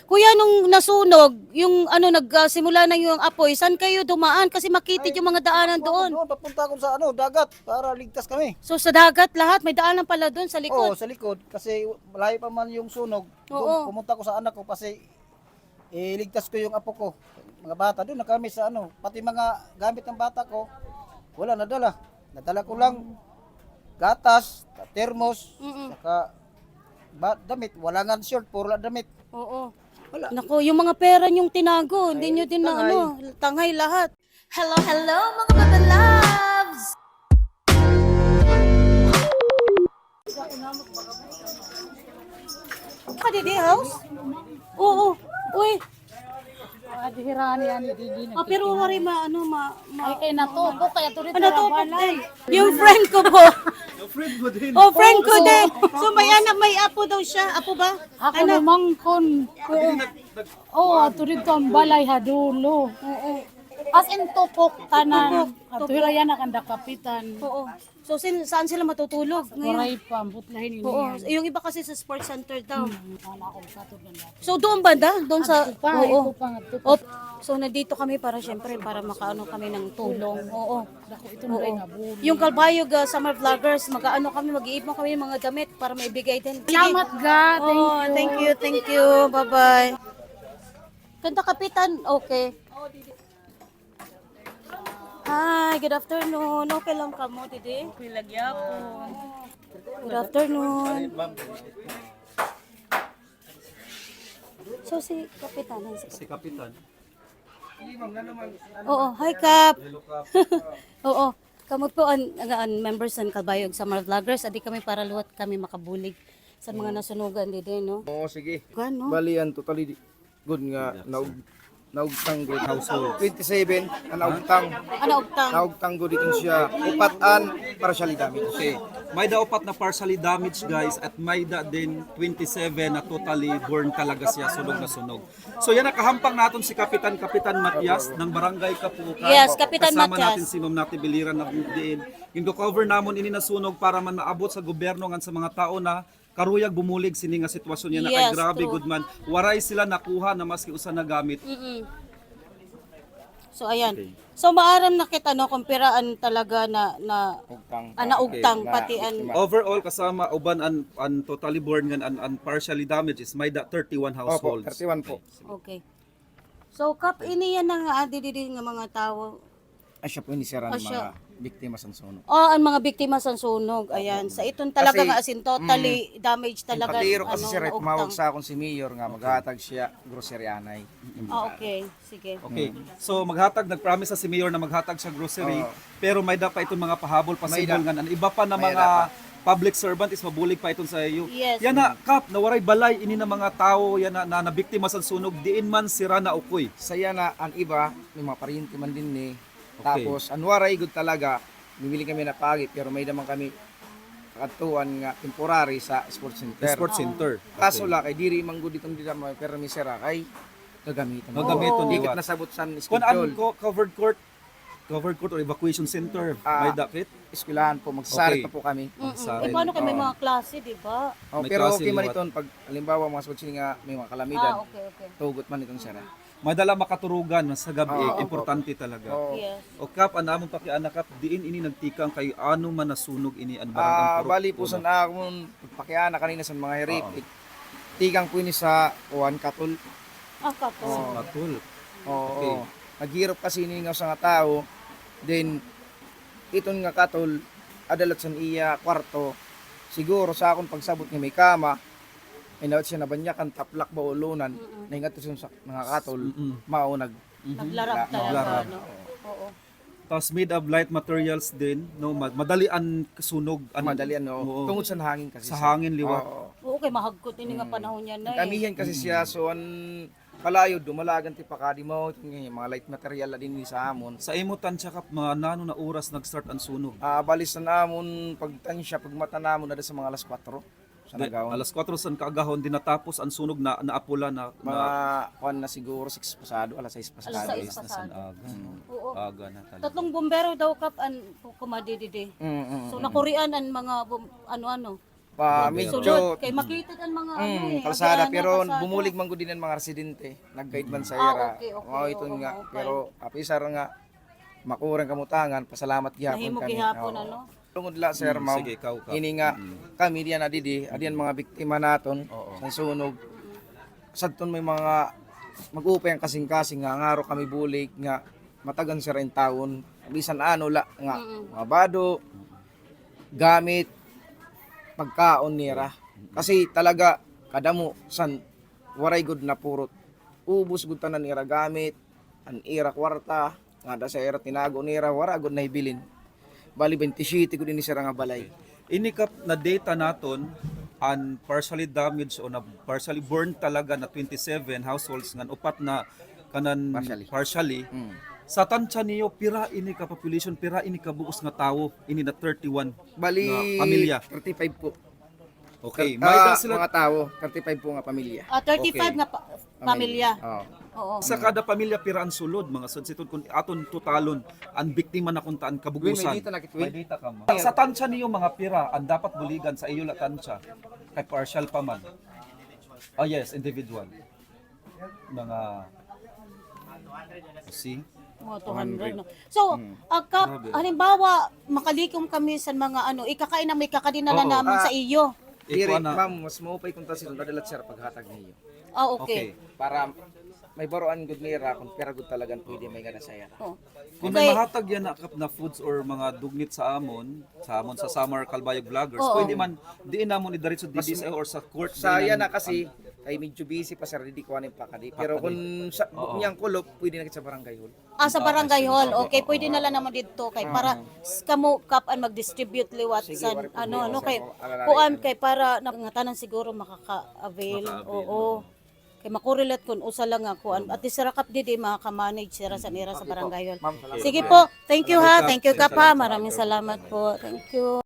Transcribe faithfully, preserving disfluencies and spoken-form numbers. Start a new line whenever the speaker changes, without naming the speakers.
Kuya, nung nasunog, yung ano, nagsimula na yung apoy, saan kayo dumaan? Kasi makitid yung mga daanan doon.
Doon, papunta ako sa ano, dagat para ligtas kami.
So sa dagat lahat, may daanan pala doon sa
Oo,
likod.
sa likod kasi malayo pa man yung sunog.
Oo.
Doon pumunta ko sa anak ko kasi iligtas ko yung apo ko. Mga bata doon na kami sa ano, pati mga gamit ng bata ko wala nadala. Nadala ko lang gatas, termos,
Mm-mm.
saka ba, damit, wala nga short, puro lang damit.
Oo.
Wala.
Nako, yung mga pera niyong tinago, hindi
Ay,
niyo din na
tangay.
ano, tangay lahat. Hello, hello mga bata loves! Kadidi house? Oo. Uy,
Adhirani ani didi na.
ah, pero wari ma ano ma, ma
Ay kay natuko kaya tuloy
ano to din. Yung friend ko po. Yung friend ko din. Oh, friend ko din. So may anak, may apo daw siya. Apo ba?
Ako
Anak.
lumangkon. Oo, aturid ko ang balay hadulo.
Oo.
As in tupok tanan. Atuira yan ang kapitan.
Oo. So sin, saan sila matutulog ngayon?
Kuray pa, butlahin ini.
Oo. Yung iba kasi sa sports center daw.
Wala akong katod na lahat.
So doon banda? Doon sa...
Pa,
Oo.
ito pa nga tupo.
Op. So nandito kami para syempre para makaano kami ng tulong. Oo.
Dako ito na rin nga bulo.
Yung Kalbayog uh, Summer Vloggers, mag-ano kami, mag-iipon kami ng mga damit para maibigay din. Sige.
Salamat ga, thank
Oh,
you.
thank you, thank you. Bye-bye. Kanta Kapitan, okay. Hi, good afternoon. Okay lang ka mo, Didi?
Pilagyapon.
Good afternoon. So si Kapitan, si
Si Kapitan.
Oo, hi Kap. Oo. Kamot po ang, ang, ang members ng Kalbayog Summer Vloggers. Adi kami para luwat kami makabulig sa mga nasunugan Didi, no?
Oo, sige.
Gano?
Bali yan, totally di- good nga. Naug, naugtang good household. twenty-seven, ang naugtang.
Ano, Ogtang?
Naugtang good itong siya. Upatan, para siya lidami.
Okay. May da upat na partially damaged guys at may da din twenty-seven na totally burn talaga siya, sunog na sunog. So yan nakahampang natin si Kapitan Kapitan Matias ng Barangay Kapukan.
Yes, Kapitan
Kasama
Matias.
natin si Ma'am Nati Biliran na diin. Yung cover namon ini na sunog para man maabot sa gobyerno ngan sa mga tao na karuyag bumulig sini nga sitwasyon niya na kay
Yes,
grabe
true.
good man. Waray sila nakuha na maski usa na gamit.
Mm-mm. So ayan.
Okay.
So maaram na kita no kumpiraan talaga na na
Ugtang.
ana ugtang
Okay.
pati
Na-
an
Overall kasama uban an, an totally burn ngan an, an partially damaged is may da thirty-one
Opo,
households.
thirty-one po.
okay. So kap ini yan na nga adi didi nga mga tao.
Ay siya po inisiran
Ah,
ng
siya.
mga biktima sa sunog.
Oh, ang mga biktima sa sunog. Ayan. Sa iton talaga
Kasi,
nga as in totally damaged talaga
Patiro kasi
ano
siya rin, tumawag
naugtang.
sa akong si Mayor nga maghatag siya grocery anay.
Ah, okay. Sige.
Okay. So maghatag nagpromise sa si Mayor na maghatag sa grocery
Oo.
pero may da pa itong mga pahabol possible
May da.
nga an iba pa na
May
mga
da
public servant is mabulig pa iton sa iyo.
Yes.
Yan na kap nawaray balay ini na mga tao yan na, na, na biktima sa sunog diin man sira na ukoy.
Saya na ang iba, may mga parinti man din ni.
Okay.
Tapos, anwaray good talaga, bibili kami na pagi, pero may naman kami katuan nga temporary sa sports center.
Sports center.
Kaso la kay diri man gud itong dira may pero mi sira kay gagamiton.
Gagamiton
Di
liwat.
kat nasabot san
Kung an
schedule.
ko covered court covered court or evacuation center
Ah.
may dakit.
Eskwelahan po magsari
Okay.
pa po kami.
Mm-mm.
Sa
Eh, paano kay may
Oo.
mga klase, di ba?
Oh,
May
pero
klase
okay man
liwat.
iton pag halimbawa mga sports nga may mga kalamidan.
Ah, okay, okay.
Tugot man itong sira.
Madala makaturugan sa gabi
Oo.
importante talaga.
Oh.
Yes.
O kap anamon pakianak kap diin ini nagtikang kay ano man nasunog ini an barang
Ah,
ang purok.
bali po sa akong pagpakiana kanina sa mga hirip. Tigang po ni sa kuan katol.
Ah, kapo.
Oo.
Katul.
Oo.
Okay.
Naghirap kasi ni nga sa nga tao. Then iton nga katol adalat sa iya kwarto. Siguro sa akong pagsabot nga may kama. Ay nawat siya nabanyakan taplak ba ulunan. Naingat to siya sa mga katol.
Mm-mm.
Mao nag
Naglarap talaga,
Naglarap.
no? Oo.
Tapos made of light materials din, no, mad- madali ang sunog, an-
madalian no.
Oo.
Tungod sa hangin kasi.
sa
siya.
hangin liwat.
Oo.
Oo, kay mahagkot ini nga panahon yan na eh.
Kamihan kasi siya so an kalayo dumalagan ti pakadi mo yung mga light material na din ni sa amon.
Sa imo tansya kap mga nano na oras nag-start ang sunog.
Ah, balis na namon pagtansya pagmata namon na sa mga alas kwatro sa
Di-
nagawon.
alas kwatro san kaagahon din natapos ang sunog na naapula na,
Mga
na
kuan na siguro six pasado, alas sais pasado.
Alas sais.
na san
pasado.
aga. no?
Oo.
Aga na talaga.
Tatlong bombero daw kap an kumadididi.
Mm, mm,
So nakurian ang mga bum- ano-ano.
pa
Sulod.
medyo
Kay makita kan mga ano
mm,
eh.
kalsada
agianan,
pero
kalsada.
bumulig man gud din ang mga residente nag-guide man sa
Ah,
ira.
okay, okay,
Oh, ito
oo,
nga
okay.
pero apisar nga makurang kamutangan pasalamat gihapon
Nahimo
kami.
gihapon
Oo.
ano.
Tungod la sir
Mm,
ma'am.
sige, ikaw, Kap.
Ini nga kami diyan adidi, adiyan mga biktima naton sa sunog. Sadton may mga mag-upay ang kasing-kasing nga ngaro kami bulig nga matagan sa rin taon bisan ano la nga mga bado gamit pagkaon nira kasi talaga kadamo san waray good na purot ubos gud tanan nira gamit an ira kwarta nga da sa ira tinago nira wara gud na ibilin bali twenty-seven gud ni sira nga balay.
Ini kap na data naton and partially damaged o na partially burned talaga na twenty-seven households ngan upat na kanan
Partially.
partially.
Mm.
Sa tansya niyo pira ini ka population, pira ini ka buos nga tawo, ini na thirty-one
Bali
na pamilya.
thirty-five po.
Okay,
Ah,
may da sila
mga tao, thirty-five po nga pamilya.
Ah, thirty-five
Okay.
nga pa- pamilya.
Oo.
Oo.
sa kada pamilya pira ang sulod mga sudsitud kun aton totalon ang biktima na kuntaan
Will,
kabugusan.
may dita na kit,
May
Will.
data ka ma. Sa tansya niyo mga pira ang dapat buligan sa iyo la tansya kay partial pa man. Oh yes, individual. Mga see?
Mga two hundred no. So, ah, kap, halimbawa makalikom kami sa mga ano, ikakain na may kakadinala
Oo.
namin
Ah.
sa iyo.
Dire,
Ikaw na.
ma'am, mas maupay kung tasil nadalat sir paghatag niyo.
Ah,
Okay.
okay.
Para may baroan gud nira kung pera gud talagang pwede may gana saya.
Oh.
Kung
Okay.
may mahatag yan na, kap na foods or mga dugnit sa amon, sa amon sa Summer Kalbayog Vloggers,
Oo.
pwede man diin namon ni diretso D D S or sa court.
Saya
diin
na kasi kay medyo busy pa sir di ko anin pa kadi. Pero kung sa niyang kulop pwede na kit sa barangay hall.
Ah, sa barangay hall. Okay, pwede na lang naman dito kay para s- kamo kap an mag-distribute liwat
Sige,
sa
wala problema,
ano ano
sir.
kay
Alalay
kuan
kami.
kay para nangatanan siguro makaka-avail. Oo. Kay makorelate kun usa lang nga kuan at least sira kap didi makaka-manage sira sa nira sa barangay hall.
Ma'am, salamat.
Sige po. Thank you ha. Thank you kap ha. Maraming salamat po. Thank you.